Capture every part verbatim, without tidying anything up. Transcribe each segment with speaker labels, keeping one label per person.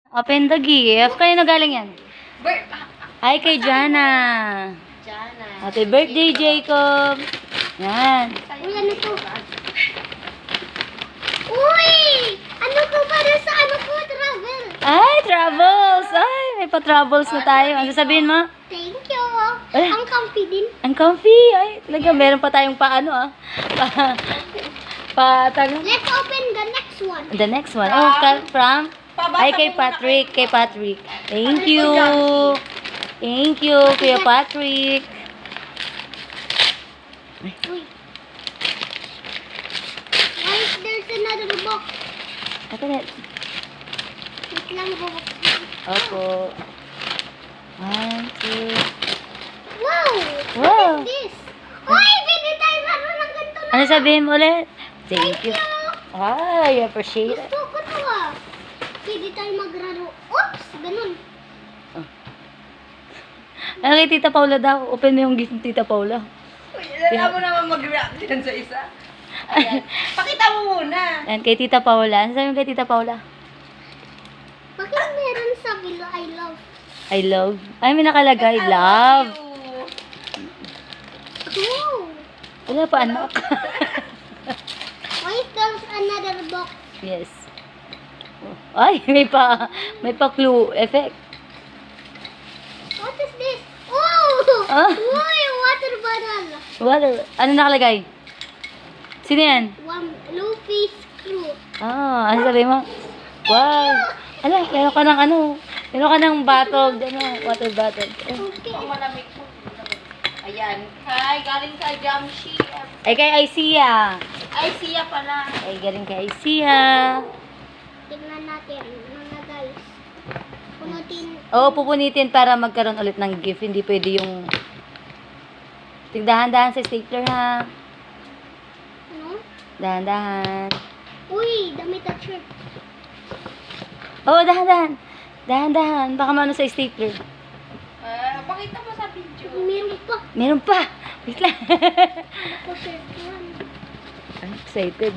Speaker 1: Open the gift. Kayo na galing yan?
Speaker 2: Bir-
Speaker 1: Hi kay Jana.
Speaker 2: Jana.
Speaker 1: Happy birthday, Jacob. Yan.
Speaker 2: Uy, ano to? Uy! Ano ko para sa ano ko? Travel.
Speaker 1: Ay, travels. Ay, may pa-travels na tayo. Ano sasabihin mo?
Speaker 2: Thank you.
Speaker 1: Eh.
Speaker 2: Ang comfy din.
Speaker 1: Ang comfy. Ay, talaga, meron pa tayong paano ah. Pa, pa, tag-
Speaker 2: Let's open the next one.
Speaker 1: The next one. Oh, ka- from? Ay, kay Patrick. Kay Patrick. Thank you. Thank you, Kuya Patrick.
Speaker 2: Uy. Why is there's another box?
Speaker 1: Ito na.
Speaker 2: Wait lang, bubuksan.
Speaker 1: Opo. One, two.
Speaker 2: Wow!
Speaker 1: Wow.
Speaker 2: What is this? Uy, pwede tayo laro ng ganito na.
Speaker 1: Ano sabihin mo ulit? Thank you.
Speaker 2: you.
Speaker 1: Ay, I appreciate it.
Speaker 2: Gusto ko to ah. Pwede tayo maglaro. Oops! Ganun.
Speaker 1: Ano kay Tita Paula daw? Open mo yung gift ng Tita Paula.
Speaker 3: Alam mo naman mag-react yan sa isa. Ayan. Pakita mo muna.
Speaker 1: Ayan, kay Tita Paula. Ano sabihin mo kay Tita Paula?
Speaker 2: Bakit meron sa below I love?
Speaker 1: I love. Ay, may nakalagay.
Speaker 3: I
Speaker 1: Love.
Speaker 3: you.
Speaker 2: Wow!
Speaker 1: Wala pa, anak.
Speaker 2: Why is there's another box?
Speaker 1: Yes. Ay, may pa, may pa clue effect.
Speaker 2: What is this? Oh!
Speaker 1: Ah.
Speaker 2: Uy, water bottle.
Speaker 1: Water. Ano nakalagay? Sino yan?
Speaker 2: One Luffy screw.
Speaker 1: Ah, ano sabihin mo? Wow. Ala, meron ka ng ano? Meron ka ng bottle, ano, water bottle. Eh.
Speaker 2: Okay.
Speaker 3: Ang malamig po. Ayan. Hi, galing sa Jamshi.
Speaker 1: Ay, kay Isia.
Speaker 3: Ay, siya pala.
Speaker 1: Ay, galing kay Isia.
Speaker 2: Tingnan natin, mga guys. Punutin.
Speaker 1: Oo, pupunitin para magkaroon ulit ng gift. Hindi pwede yung... Tigdahan-dahan sa stapler, ha?
Speaker 2: Ano?
Speaker 1: Dahan-dahan.
Speaker 2: Uy, damit at shirt.
Speaker 1: Oo, dahan-dahan. Dahan-dahan. Baka maano sa stapler.
Speaker 3: Ah, pakita mo sa video.
Speaker 2: Meron pa.
Speaker 1: Meron pa. Wait lang.
Speaker 2: Ako shirt yan.
Speaker 1: I'm excited.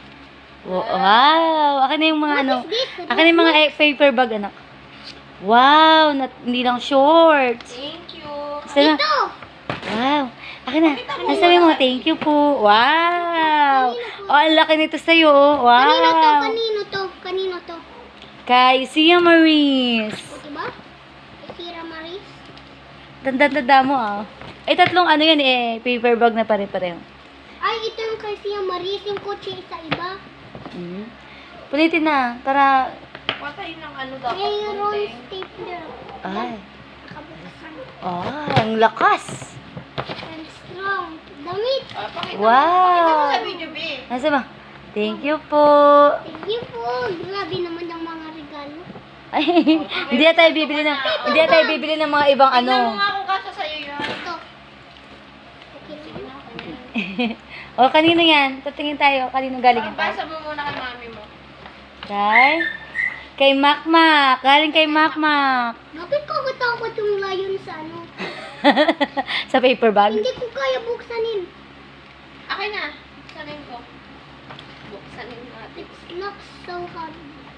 Speaker 1: Wow. Akin na yung mga ano.
Speaker 2: What is this?
Speaker 1: Akin na yung mga eh, paper bag, anak. Wow. Nat, hindi lang shorts.
Speaker 3: Thank you.
Speaker 1: Gusto na?
Speaker 2: Ito!
Speaker 1: Wow. Akin na. Ano sabi mo? Thank you po. Wow. Oh, ang laki nito sa'yo. oh.
Speaker 2: Kanino to?
Speaker 1: Wow.
Speaker 2: Kanino to? Kanino to?
Speaker 1: Kay Sia Maris.
Speaker 2: O, diba? Sira Maris.
Speaker 1: Tanda-tanda mo ah. Ay, tatlong ano yan eh. Paper bag na pare-pareho.
Speaker 2: Ay, ito yung kay Sira Maris. Yung kotse sa iba.
Speaker 1: Mm. Pulitin na. Para...
Speaker 3: Patay ng ano dapat.
Speaker 2: Mayroon
Speaker 3: konting.
Speaker 2: stapler.
Speaker 1: Ay.
Speaker 2: Nakabukasan.
Speaker 1: Ah, ang lakas.
Speaker 2: And strong. Damit.
Speaker 3: Ah, pakita
Speaker 1: Wow.
Speaker 3: mo. Pakita mo sa video, B.
Speaker 1: Nasa ba? Thank you po.
Speaker 2: Thank you po. Grabe naman yung mga regalo.
Speaker 1: Ay, hindi na tayo bibili ng hindi na tayo bibili ng mga ibang
Speaker 3: Tingnan mo
Speaker 1: ano.
Speaker 3: nga kung kasya sa'yo yun.
Speaker 2: Ito. Okay na.
Speaker 1: O, kanino yan? Tatingin tayo. Kanino galing yan?
Speaker 3: Pasa mo muna kay mami mo.
Speaker 1: Kay? Kay Makmak. Galing kay Makmak.
Speaker 2: Bakit ko katakot yung lion sa ano?
Speaker 1: Sa paper bag.
Speaker 2: Hindi ko kaya buksanin.
Speaker 3: Akin na. Buksanin ko. Buksanin natin.
Speaker 2: It's not so hard.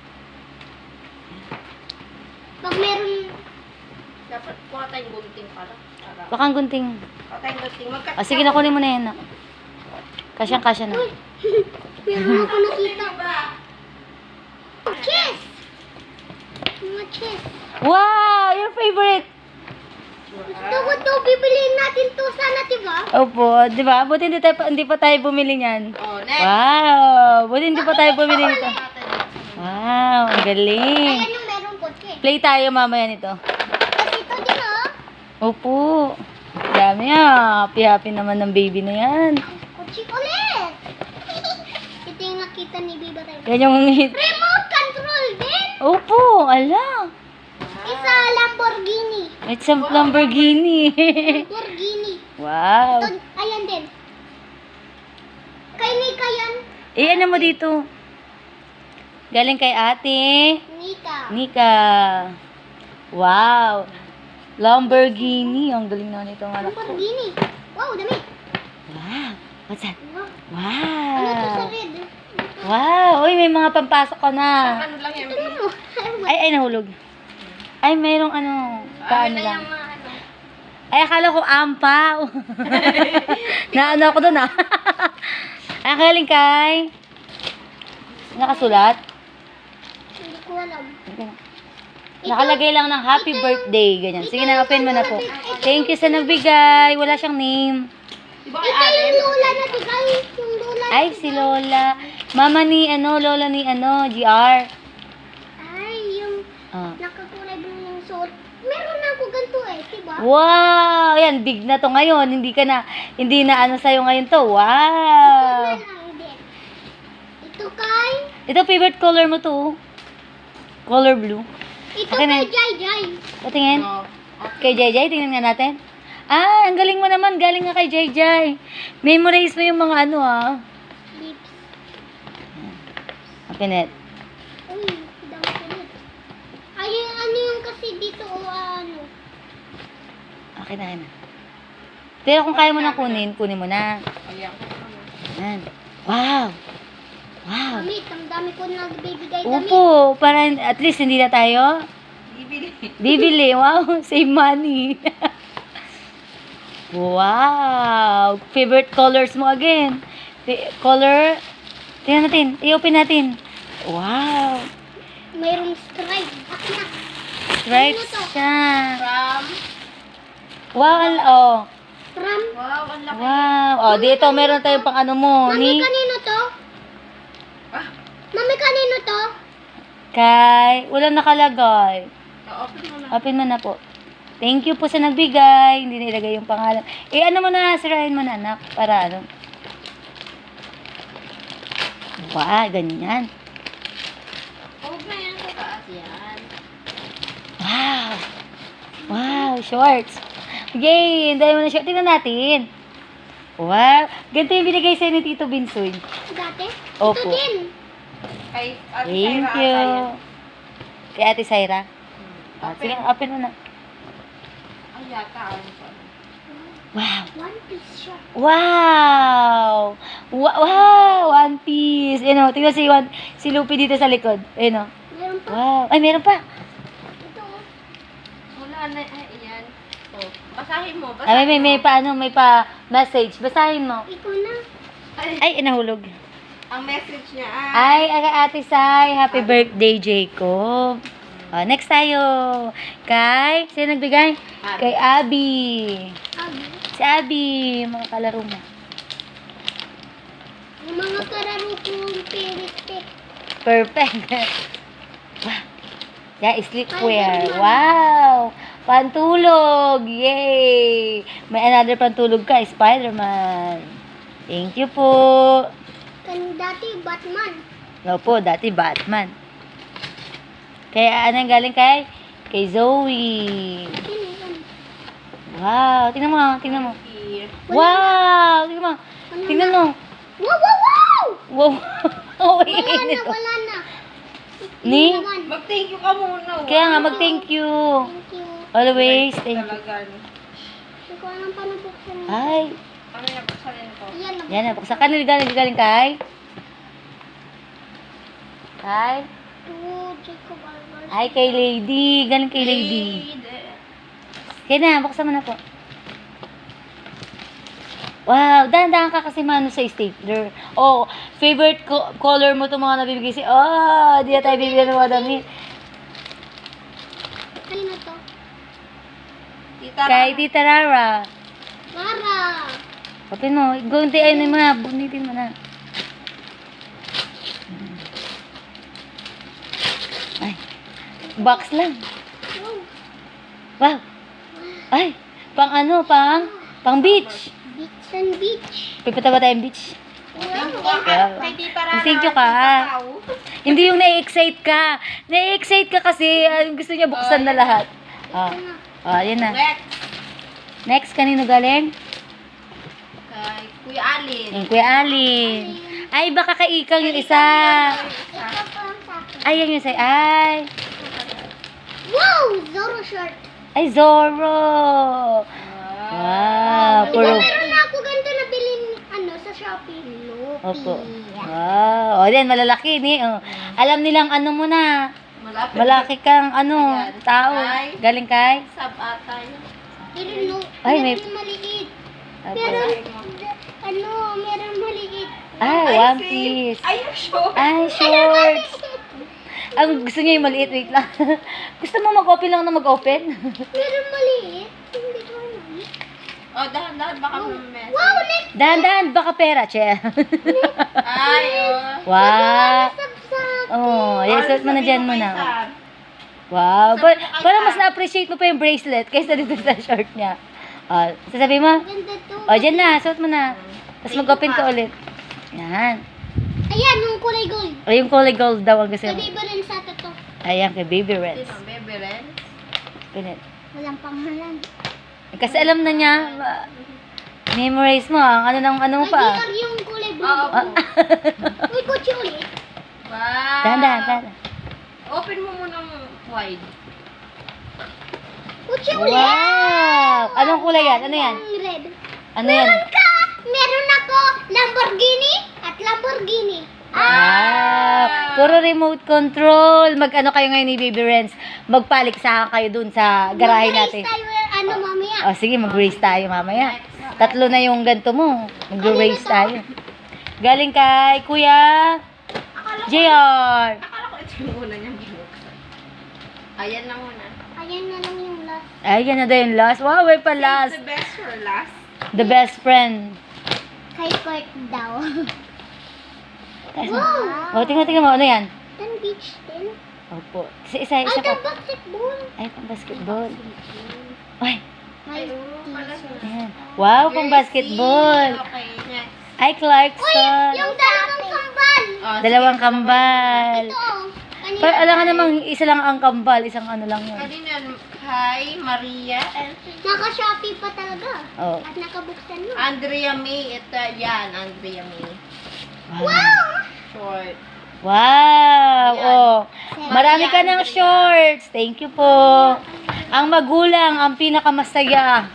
Speaker 2: Pag meron...
Speaker 3: Dapat kuha tayong gunting pala. Para.
Speaker 1: Baka ang gunting.
Speaker 3: Kuha tayong gunting. Magkat-
Speaker 1: O, sige, nakunin mo na yan. nak. Kasyang-kasya na.
Speaker 2: Uy! meron ako nakita. Chess! Mga chess.
Speaker 1: Wow! Your favorite!
Speaker 2: Gusto ko to. Bibiliin natin to sana, diba?
Speaker 1: Opo, di ba? Buti hindi, tayo, pa- hindi pa tayo bumili niyan.
Speaker 3: Oh, next.
Speaker 1: Wow! Buti hindi pa tayo bumili nito.
Speaker 3: Natin.
Speaker 1: Wow! Ang galing!
Speaker 2: Ayan yung meron kotse.
Speaker 1: Play tayo mamaya nito.
Speaker 2: Tapos ito din, oh.
Speaker 1: Opo. Dami ah. Happy-happy naman ng baby na yan.
Speaker 2: Kotse ulit. Ito yung nakita ni Biba tayo.
Speaker 1: Yan yung hit.
Speaker 2: Remote control din.
Speaker 1: Opo, ala.
Speaker 2: Isa Lamborghini.
Speaker 1: It's a Lamborghini.
Speaker 2: Lamborghini.
Speaker 1: Wow.
Speaker 2: Ito, ayan din. Kay Nika yan.
Speaker 1: Eh, ano mo dito? Galing kay ate.
Speaker 2: Nika.
Speaker 1: Nika. Wow. Lamborghini. Ang galing naman itong anak ko.
Speaker 2: Lamborghini. Wow, dami.
Speaker 1: Wow. What's that?
Speaker 2: Wow. Ano to sa
Speaker 1: Wow.
Speaker 2: red? Ito
Speaker 1: Wow! Uy, may mga pampasok ka na.
Speaker 3: Ano lang yan,
Speaker 2: Tingnan mo.
Speaker 1: Ay, ay, nahulog. Ay, mayroong ano, paano
Speaker 3: na
Speaker 1: lang.
Speaker 3: yung mga ano.
Speaker 1: Ay, akala ko ampaw. Naano ako doon ah. Ay, galing kay. Nakasulat.
Speaker 2: Hindi ko alam.
Speaker 1: Nakalagay lang ng happy birthday, ganyan. Sige na, open mo na po. Thank you sa nagbigay. Wala siyang name.
Speaker 3: Di ba kay
Speaker 2: Ito
Speaker 3: Allen?
Speaker 2: yung lola na tigay. Yung lola.
Speaker 1: Ay, si Lola. Mama ni, ano, Lola ni, ano, G R.
Speaker 2: Ay, yung
Speaker 1: Ah.
Speaker 2: nakakulay blue yung suot. Meron na ako ganito eh, diba?
Speaker 1: Wow! Yan, big na to ngayon. Hindi ka na, hindi na ano sa'yo ngayon to.
Speaker 2: Ito
Speaker 1: Wow!
Speaker 2: na lang din. Ito kay,
Speaker 1: Ito, favorite color mo to. Color blue.
Speaker 2: ito
Speaker 1: Akin na.
Speaker 2: kay Jai Jai.
Speaker 1: Patingin.
Speaker 3: Oh.
Speaker 1: Kay Jai Jai, tingnan nga natin. Ah, ang galing mo naman. Galing nga kay Jai Jai. Memorize mo yung mga ano ah.
Speaker 2: Lips.
Speaker 1: Open it.
Speaker 2: Uy, dami ko ulit. Ay, ano yung kasi dito o ano?
Speaker 1: Okay na, na. Pero kung kaya mo na kunin, kunin mo na.
Speaker 3: Ayan.
Speaker 1: Yan. Wow! Wow!
Speaker 2: Damit, ang dami ko nagbibigay damit.
Speaker 1: Upo, para at least hindi na tayo
Speaker 3: Bibili.
Speaker 1: bibili. Wow, save money. Wow! Favorite colors mo again. Fa- color. Tingnan natin. I-open natin. Wow!
Speaker 2: Mayroong stripe. Akin na.
Speaker 1: Stripes
Speaker 2: Ano to?
Speaker 1: siya.
Speaker 3: From,
Speaker 1: Wow, al- oh.
Speaker 2: From,
Speaker 3: wow, ang laki.
Speaker 1: Wow. Oh, dito meron tayong pang ano mo.
Speaker 2: Mami,
Speaker 1: Ni
Speaker 2: kanino to?
Speaker 3: Ah,
Speaker 2: Mami, kanino to?
Speaker 1: kay. Walang nakalagay.
Speaker 3: open mo na.
Speaker 1: Open mo na po. Thank you po sa nagbigay. Hindi nilagay yung pangalan. Eh, ano mo na, sirahin mo na, anak. Para ano. Wow, ganyan.
Speaker 3: Huwag na yan sa taas yan.
Speaker 1: Wow. Wow, shorts. Yay, dahil mo na short. Tingnan natin. Wow. Ganito yung binigay sa'yo ni Tito Binsoy.
Speaker 2: Dati?
Speaker 1: Opo.
Speaker 2: Ito din.
Speaker 3: Kay Ate
Speaker 1: Thank
Speaker 3: Syra
Speaker 1: you.
Speaker 3: ata yan.
Speaker 1: Kay Ate Syra. Ah,
Speaker 3: Open.
Speaker 1: sige, open mo na.
Speaker 3: Ay, yata. Ano pa?
Speaker 1: Wow.
Speaker 2: One piece siya.
Speaker 1: Wow! Wa- Wow! One Piece. Ano, tingnan si, One, si Lupi dito sa likod. Ano.
Speaker 2: Meron pa.
Speaker 1: Wow. Ay, meron pa.
Speaker 2: Ito. oh.
Speaker 3: Wala na. Ay, yan. Oh, basahin mo.
Speaker 1: Ay, may,
Speaker 3: Basahin
Speaker 1: may, may
Speaker 3: mo.
Speaker 1: pa, ano, may pa message. Basahin mo.
Speaker 2: Ikaw na.
Speaker 3: Ay,
Speaker 1: Ay, nahulog.
Speaker 3: ang message niya ay.
Speaker 1: Ay, kay Ate Sai. Happy birthday, Jacob. Oh, next tayo. Kay, sino nagbigay?
Speaker 3: Abby.
Speaker 1: Kay Abby.
Speaker 2: Abi.
Speaker 1: Si Abby, mga kalaro mo.
Speaker 2: Yung mga kararo kong pirit-pit.
Speaker 1: Perfect. Wow. Yeah, sleepwear. Wow. Pantulog. Yay. May another pantulog ka, Spider-Man. Thank you po.
Speaker 2: Kan dati Batman.
Speaker 1: Opo, dati Batman. Kaya anong galing kay? Kay Zoe.
Speaker 2: Sino yun?
Speaker 1: Wow. Tingnan mo, tingnan mo.
Speaker 3: Here.
Speaker 1: Wow. Tingnan mo.
Speaker 2: Ano
Speaker 1: Tingnan
Speaker 2: na?
Speaker 1: mo.
Speaker 2: Wow, wow, wow!
Speaker 1: Wow. Oh,
Speaker 2: Wala na,
Speaker 1: init.
Speaker 2: wala na.
Speaker 1: Ni?
Speaker 2: Yun naman.
Speaker 3: Mag-thank you ka muna.
Speaker 1: Kaya nga, mag-thank you.
Speaker 2: Thank you.
Speaker 1: Always, thank you.
Speaker 3: Talaga.
Speaker 2: Hindi ko alam paano buksan.
Speaker 1: Ay.
Speaker 3: Ano yung buksanin ko?
Speaker 2: Ayan na.
Speaker 1: Yan na. Buksan ka na. Galing, galing kay? Kay?
Speaker 2: To Jacob Alvarez.
Speaker 1: Ay, kay Lady. Galing kay Lady. Kaya na, buksan mo na po. Wow, dahan-dahan ka kasi mano sa stapler. Oh, favorite co- color mo itong mga nabibigay si... Oh, di na tayo bibigyan ng mga damit.
Speaker 2: Kanino to?
Speaker 3: Tita
Speaker 1: Kay Tita Rara.
Speaker 2: Lara.
Speaker 1: Open mo. Gunti, ayun mo na. Bunitin mo na. Ay. Box lang.
Speaker 2: Wow.
Speaker 1: Wow. Ay. Pang ano, pang... Pang beach.
Speaker 2: Beach and beach.
Speaker 1: Pipita ba tayong beach?
Speaker 2: Wow.
Speaker 1: Wow.
Speaker 3: Kay Tita Rara.
Speaker 1: Thank you ka.
Speaker 3: Tita Pao.
Speaker 1: Hindi yung na-excite ka. Na-excite ka kasi ah, gusto niya buksan na lahat. Ah,
Speaker 2: Ito na.
Speaker 1: ah, yan na.
Speaker 3: Next.
Speaker 1: Next, kanino galing?
Speaker 3: Kay Kuya Alin.
Speaker 1: Yung Kuya Alin. Ay, baka kaikang yung isa.
Speaker 2: Ito pa sa akin.
Speaker 1: Ay, yan yung isa. Ay.
Speaker 2: Wow! Zoro shirt.
Speaker 1: Ay, Zorro. Wow.
Speaker 2: Ito
Speaker 1: Puro.
Speaker 2: meron na ako ganito na bilhin ano, sa Shopee. No.
Speaker 1: Opo. Wow. O, yan, malalaki ni. Oh. Alam nilang ano mo na.
Speaker 3: Malapit.
Speaker 1: Malaki kang ano,
Speaker 3: Ayan.
Speaker 1: tao.
Speaker 3: Ay.
Speaker 1: Galing kay?
Speaker 3: Sab ata yun.
Speaker 2: Pero no,
Speaker 1: Ay, may-
Speaker 2: meron maliit.
Speaker 1: Opo.
Speaker 2: Meron, ano, meron maliit.
Speaker 1: Ah,
Speaker 3: Ay,
Speaker 1: One
Speaker 3: see?
Speaker 1: Piece.
Speaker 3: Ay, yung short.
Speaker 1: Ay, shorts. Ang gusto niya yung maliit. Wait lang. Gusto mo mag-open lang na mag-open?
Speaker 2: Meron maliit. Hindi ko alam.
Speaker 3: Oh, dahan-dahan baka mamess.
Speaker 2: Wow, next!
Speaker 1: Dahan-dahan, baka pera, che.
Speaker 3: Ay, oh.
Speaker 1: Wow.
Speaker 2: Sabsab.
Speaker 1: Oh, yes, suot mo na dyan
Speaker 3: Sabi mo
Speaker 1: muna.
Speaker 3: kay Sam.
Speaker 1: Wow.
Speaker 3: Sabi
Speaker 1: Pa-
Speaker 3: mo kay
Speaker 1: parang
Speaker 3: Sam.
Speaker 1: mas na-appreciate mo pa yung bracelet kaysa dito sa short niya. Ah, sasabihin mo?
Speaker 2: Ganda to.
Speaker 1: O, dyan na. Suot mo na. Tapos
Speaker 3: Thank
Speaker 1: mag-open
Speaker 3: you,
Speaker 1: ka
Speaker 3: pa.
Speaker 1: ulit. Yan.
Speaker 2: Ayan, yung kulay gold.
Speaker 1: O, yung kulay gold daw ang gusto mo.
Speaker 2: Sabi ba rin sa to?
Speaker 1: Ayan, kay Baby Reds.
Speaker 3: Sino, Bebe Ren?
Speaker 1: Pinit.
Speaker 2: Walang pangalan.
Speaker 1: Kasi alam na niya, ma- memorize mo, ang ano ng ano mo
Speaker 2: Ay,
Speaker 1: pa.
Speaker 2: di yung kulay blue.
Speaker 3: Oo.
Speaker 1: Ah,
Speaker 2: Uy, kotse ulit.
Speaker 3: Wow.
Speaker 1: dahan-dahan, dahan.
Speaker 3: Open mo muna ng wide.
Speaker 2: Kotse ulit.
Speaker 1: Wow! Anong kulay yan? Ano yan?
Speaker 2: Yung red.
Speaker 1: Ano yan?
Speaker 2: Meron ka! Meron ako Lamborghini at Lamborghini.
Speaker 1: Wow! Puro remote control. Mag-ano kayo ngayon ni Baby Renz? Magpaliksahan kayo dun sa garahe natin.
Speaker 2: Mag-race tayo, ano, mamaya.
Speaker 1: O sige, mag-race tayo mamaya. Tatlo na yung ganito mo. Mag-race tayo. Galing kay Kuya
Speaker 3: Akala ko,
Speaker 1: J R.
Speaker 3: akala ko ito yung una niyang binuksan. Ayan na muna.
Speaker 2: Ayan na lang yung last.
Speaker 1: Ay, yan na daw yung last. Wow, may pa
Speaker 3: Save
Speaker 1: last.
Speaker 3: the best for last.
Speaker 1: The best friend.
Speaker 2: Kay Kurt daw.
Speaker 1: O, tingnan, tingnan mo. Ano yan?
Speaker 2: Tan beach din.
Speaker 1: Opo. Isa, isa,
Speaker 2: Ay,
Speaker 1: isa pa.
Speaker 2: tan basketball.
Speaker 1: Ay, pang basketball. Ay,
Speaker 2: May
Speaker 3: Ay, oo, pala
Speaker 2: t-shirt.
Speaker 1: ayan. Wow, pang
Speaker 3: Jersey.
Speaker 1: basketball.
Speaker 3: Okay, next.
Speaker 1: Ay,
Speaker 2: Uy,
Speaker 1: Clarkson.
Speaker 2: yung dalawang kambal.
Speaker 3: Oh,
Speaker 1: Dalawang
Speaker 3: sige,
Speaker 1: kambal.
Speaker 2: Ito. oh. Kanina
Speaker 1: Pero alam nga
Speaker 2: tayo.
Speaker 1: namang isa lang ang kambal, isang ano lang yun.
Speaker 3: Kanina, hi, Maria.
Speaker 2: Naka-Shopee pa talaga.
Speaker 1: Oh.
Speaker 2: At nakabuksan mo.
Speaker 3: Andrea May. Ito, yan, Andrea May.
Speaker 1: Wow.
Speaker 3: Short.
Speaker 1: Wow.
Speaker 3: Ayan.
Speaker 1: Oh. Marami ka
Speaker 3: Maria,
Speaker 1: ng
Speaker 3: Andrea.
Speaker 1: shorts. Thank you po. Ang magulang, ang pinakamasaya.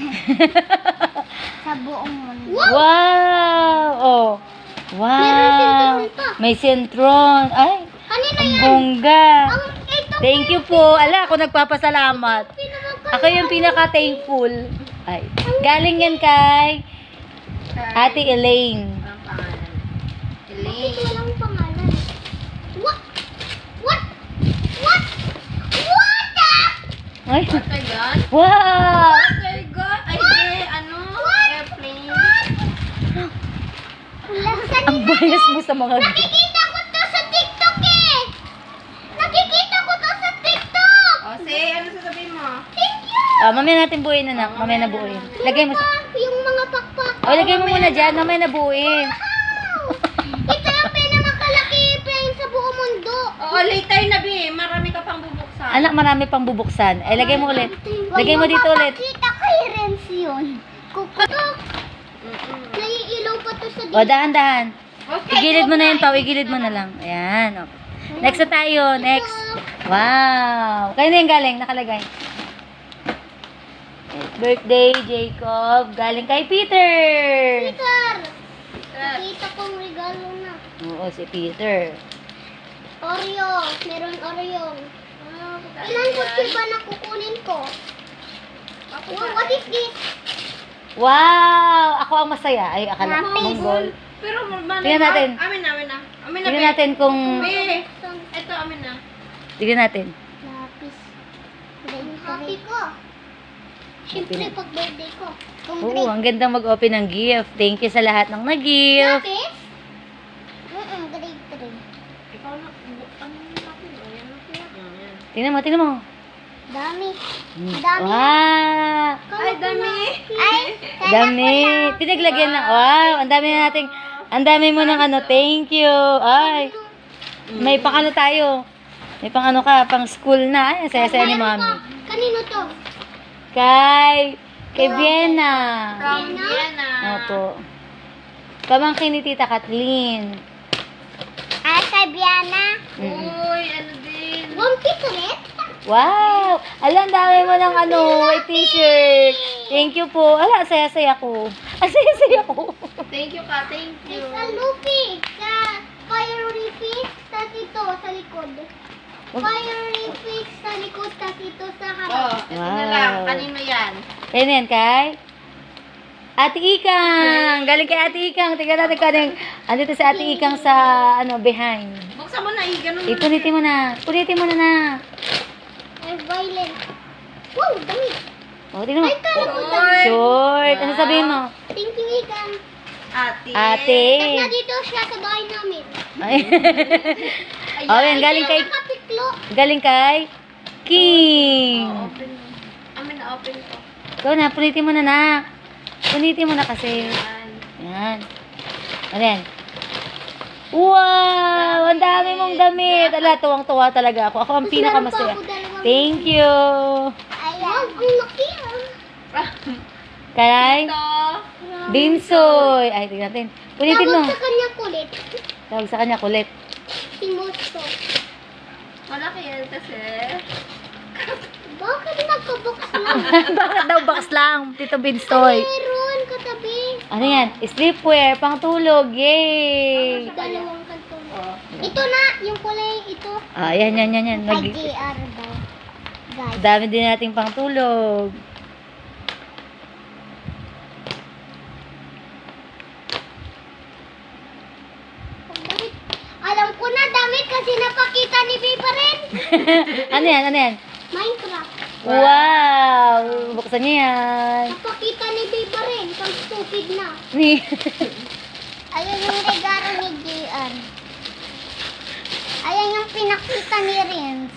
Speaker 2: Sa buong mundo.
Speaker 1: Wow. Oh. Wow.
Speaker 2: Meron sentron pa.
Speaker 1: May sentron. Ay,
Speaker 2: Kanina
Speaker 1: ang
Speaker 2: yan.
Speaker 1: bongga.
Speaker 2: Ang ito.
Speaker 1: Thank you po. Ala, ako nagpapasalamat.
Speaker 2: Pinamagkan.
Speaker 1: Ako yung pinaka-thankful. Ay. Galing yan kay Ate Elaine.
Speaker 3: Ang pangalan.
Speaker 2: Bakit
Speaker 3: Elaine.
Speaker 2: walang pangalan? What? What? What? What the?
Speaker 1: Ay.
Speaker 3: What my God?
Speaker 1: Wow.
Speaker 3: What my God? Ay, di, ano? Airplane.
Speaker 2: Saan
Speaker 1: Ang bias mo sa mga...
Speaker 2: Nakikita ko to sa TikTok eh! Nakikita ko to sa TikTok!
Speaker 3: O, say, ano sasabihin mo?
Speaker 2: Thank you!
Speaker 1: Ah, mamaya natin buuin, anak. Mamaya na buuin. Lagay mo sa...
Speaker 2: Pa, yung mga pakpak.
Speaker 1: Oh, lagay mo muna dyan. Mamaya na buuin.
Speaker 2: Wow! Ito yung pinamakalaki plane sa buong mundo.
Speaker 3: Oo, late tayo na, Bi. Marami ka pang bubuksan.
Speaker 1: Anak, marami pang bubuksan. Ay, lagay mo ulit. Lagay mo dito ulit.
Speaker 2: Kita kay Renz yun. Kukutok.
Speaker 3: Mm-mm.
Speaker 2: Naiilaw pa to sa
Speaker 1: O, dahan-dahan.
Speaker 3: Okay,
Speaker 1: Igilid mo na yun,
Speaker 3: okay.
Speaker 1: Pao. Igilid mo na lang. Ayan. Okay. Next na tayo. Next. Wow. Kayo na yung galing. Nakalagay. Birthday, Jacob. Galing kay Peter.
Speaker 2: Peter!
Speaker 3: Sir.
Speaker 2: Nakita kong regalo na.
Speaker 1: Oo, si Peter.
Speaker 2: Oreo. Meron Oreo.
Speaker 3: Ah,
Speaker 2: Ilan kutsi ba na kukunin ko?
Speaker 3: Ako
Speaker 2: Wow,
Speaker 3: na.
Speaker 2: what is this?
Speaker 1: Wow! Ako ang masaya. Ay, akala ko
Speaker 2: Happy.
Speaker 1: Mongol.
Speaker 3: Pero, malay
Speaker 1: Tingnan natin.
Speaker 3: Amin na, amin na. Amin na,
Speaker 1: Tingnan
Speaker 3: Bi.
Speaker 1: natin kung...
Speaker 3: Bi, ito, amin na.
Speaker 1: Tingnan natin.
Speaker 2: Lapis. Happy ko. Siyempre,
Speaker 1: Happy na.
Speaker 2: pag birthday ko. Kung
Speaker 1: Oo,
Speaker 2: grade.
Speaker 1: ang ganda mag-open ng gift. Thank you sa lahat ng nag-gift.
Speaker 2: Lapis? Mm-mm, grade three.
Speaker 3: Ikaw na, bu- ano yung natin? O, yan na siya. Ayan.
Speaker 1: Tingnan mo, tingnan mo.
Speaker 2: Dami.
Speaker 1: Hmm.
Speaker 2: Dami.
Speaker 1: Wow!
Speaker 3: Ay, dami.
Speaker 2: Ay,
Speaker 1: Dami. Pinaglagyan na. Wow! Ang dami na nating... Ang dami mo ng ano. Thank you. Ay. May pang ano tayo. May pang ano ka. Pang school na. Ay, ang saya-saya ni mami.
Speaker 2: Kanino to?
Speaker 1: Kay... Kay Vienna.
Speaker 3: From Vienna.
Speaker 1: Opo. Pamangkin ni Tita Kathleen.
Speaker 2: Ah, sa Biana.
Speaker 1: Mm-mm.
Speaker 3: Uy, ano din.
Speaker 2: One piece ulit?
Speaker 1: Wow! Alam, dami mo ng ano, may t-shirt. Thank you po. Ala, saya-saya ko. Ang saya-saya ko.
Speaker 3: Thank you ka, thank you.
Speaker 2: It's a Luffy. Sa fiery fish, tas ito sa likod. Fiery fish sa likod, tas ito sa
Speaker 3: Oh,
Speaker 2: harap.
Speaker 3: ito na lang.
Speaker 1: Wow.
Speaker 3: Kanino yan?
Speaker 1: Yan yan, kay? Ate Ikang! Galing kay Ate Ikang. Tingnan natin ka rin. Andito si Ate Ikang sa, ano, behind.
Speaker 3: Buksan mo na, eh. Ganun mo na.
Speaker 1: Ipunitin mo na. Punitin mo na na.
Speaker 2: Ay, violent. Wow, dami.
Speaker 1: O, tingnan mo.
Speaker 2: Ay, kala ko
Speaker 3: Oy.
Speaker 2: dami.
Speaker 1: Short. Ano sabihin mo?
Speaker 2: Thank you, Ikan.
Speaker 3: Ate.
Speaker 1: Ate.
Speaker 2: Tapos nandito siya sa bahay namin.
Speaker 1: Ay. O, yan. Galing kay,
Speaker 2: Nakapiklo.
Speaker 1: galing kay King.
Speaker 3: Oh, open mo. Amin na, open ko.
Speaker 1: Ikaw na, punitin mo na na. Punitin mo na kasi.
Speaker 3: Yan.
Speaker 1: Yan. Ano yan? Wow! Ang dami mong damit. Ala, tuwang-tuwa talaga ako. Ako ang
Speaker 2: Mas
Speaker 1: pinakamasaya.
Speaker 2: meron pa ako dalawang-
Speaker 1: Thank you.
Speaker 2: Ayan. Wow, ang laki ah.
Speaker 1: Kay
Speaker 3: Ito.
Speaker 1: Binsoy. Ay, tingnan natin. Punitin mo.
Speaker 2: Tawag sa kanya kulit.
Speaker 1: Tawag sa kanya kulit.
Speaker 2: Si Mosto.
Speaker 3: Malaki yan kasi.
Speaker 2: Bakit nagkabox lang?
Speaker 1: Bakit daw box lang, Tito Binsoy?
Speaker 2: Meron katabi.
Speaker 1: Ano yan? Sleepwear, pang tulog. Yay!
Speaker 2: Dalawang kanton.
Speaker 3: Oh.
Speaker 2: Ito na, yung kulay ito.
Speaker 1: Ah, yan, yan, yan, yan. Nag
Speaker 2: Ay, J R daw. Guys.
Speaker 1: dami din nating pang tulog.
Speaker 2: Damit. Alam ko na damit kasi napakita ni Biba rin.
Speaker 1: Ano yan, ano yan?
Speaker 2: Minecraft.
Speaker 1: Wow! Buksan niya yan.
Speaker 2: Napakita ni Biba rin. Pang stupid na.
Speaker 1: Ni.
Speaker 2: Ayan yung regalo ni J R. Ayan yung pinakita ni Renz.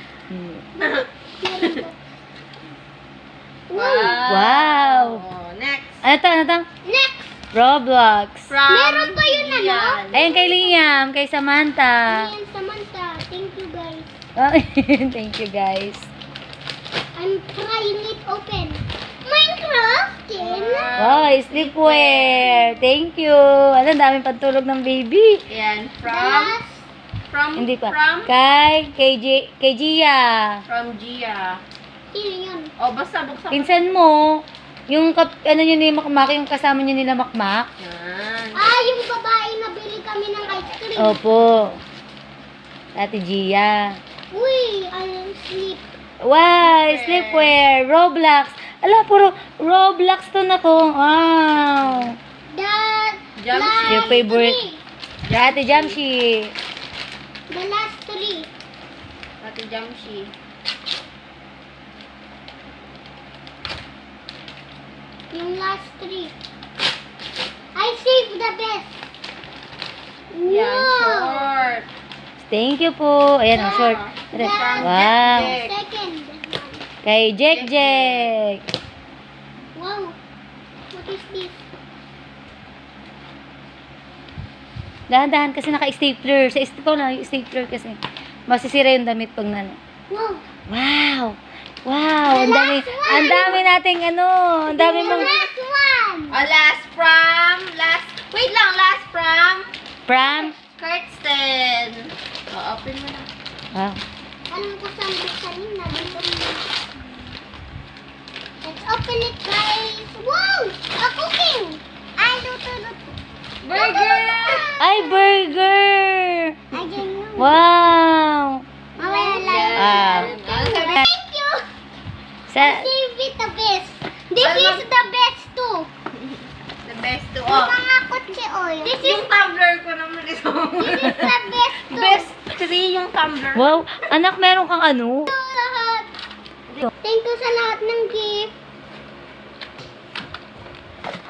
Speaker 1: Wow!
Speaker 3: Oh, next.
Speaker 1: Ano to, ano to?
Speaker 2: Next!
Speaker 1: Roblox.
Speaker 3: From
Speaker 2: Meron pa yun, ano?
Speaker 3: Ian.
Speaker 1: Ayun kay Liam, kay Samantha.
Speaker 2: Ayan, Samantha. Thank you, guys.
Speaker 1: Oh, thank you guys.
Speaker 2: I'm trying it open. Minecraft, Ken.
Speaker 1: Wow, sleepwear. Thank you. Ano, ang daming pantulog ng baby.
Speaker 3: Yan.
Speaker 2: The
Speaker 3: From,
Speaker 2: last,
Speaker 3: from,
Speaker 1: Hindi pa.
Speaker 3: from,
Speaker 1: Kay, kay, G, kay Gia.
Speaker 3: from Gia.
Speaker 2: sino yun?
Speaker 3: Oh, basta buksan mo.
Speaker 1: Pinsan mo, yung, kap, ano yun ni Makmak, yung kasama niyo nila Makmak.
Speaker 3: Yan.
Speaker 2: Ah, yung babae na bili kami ng ice cream.
Speaker 1: Opo. Ate Gia.
Speaker 2: Uy, I'll sleep.
Speaker 1: Wow, sleepwear. Roblox. Ala, puro Roblox to na ko. Wow.
Speaker 2: The
Speaker 3: Jump
Speaker 2: last
Speaker 1: Your favorite.
Speaker 2: three.
Speaker 1: Ate Jamshi.
Speaker 2: The last three.
Speaker 3: Ate Jamshi.
Speaker 2: Yung last three. I saved the best.
Speaker 3: Yan,
Speaker 2: Wow.
Speaker 3: short.
Speaker 1: Thank you po. Ayan, ang short.
Speaker 2: The
Speaker 1: Wow.
Speaker 2: second one.
Speaker 1: Kay Jek Jek.
Speaker 2: Wow. What is this?
Speaker 1: Dahan-dahan kasi naka-stapler. Sa stapler na, yung stapler kasi. Masisira yung damit pag nano.
Speaker 2: Wow.
Speaker 1: Wow. Wow. Ang
Speaker 2: The
Speaker 1: dami,
Speaker 2: last one.
Speaker 1: ang dami nating ano. Ang dami
Speaker 2: The
Speaker 1: mong
Speaker 2: last one.
Speaker 3: Oh, last from, last, wait lang, last from,
Speaker 1: pram.
Speaker 3: Kirsten. Oh, open mo na.
Speaker 1: Wow.
Speaker 2: Alam ko saan buksan yun. Nandito mo. Let's open it, guys. Wow! A cooking! Ay, luto, luto.
Speaker 3: Burger!
Speaker 1: Ay, burger.
Speaker 2: Ay, dyan yun.
Speaker 1: Wow.
Speaker 2: Mamaya lang.
Speaker 1: Ah.
Speaker 3: Ano sabi?
Speaker 2: Thank you.
Speaker 1: Sa,
Speaker 2: Save it the best. This
Speaker 3: Ano?
Speaker 2: is the best too.
Speaker 3: The best to
Speaker 2: Yung
Speaker 3: all.
Speaker 2: mga kotse oil. This is,
Speaker 3: Yung tumbler ko naman ito.
Speaker 2: this is the best too.
Speaker 3: Best three yung tumbler.
Speaker 1: wow. Anak, meron kang ano?
Speaker 2: Lahat. Thank you sa lahat ng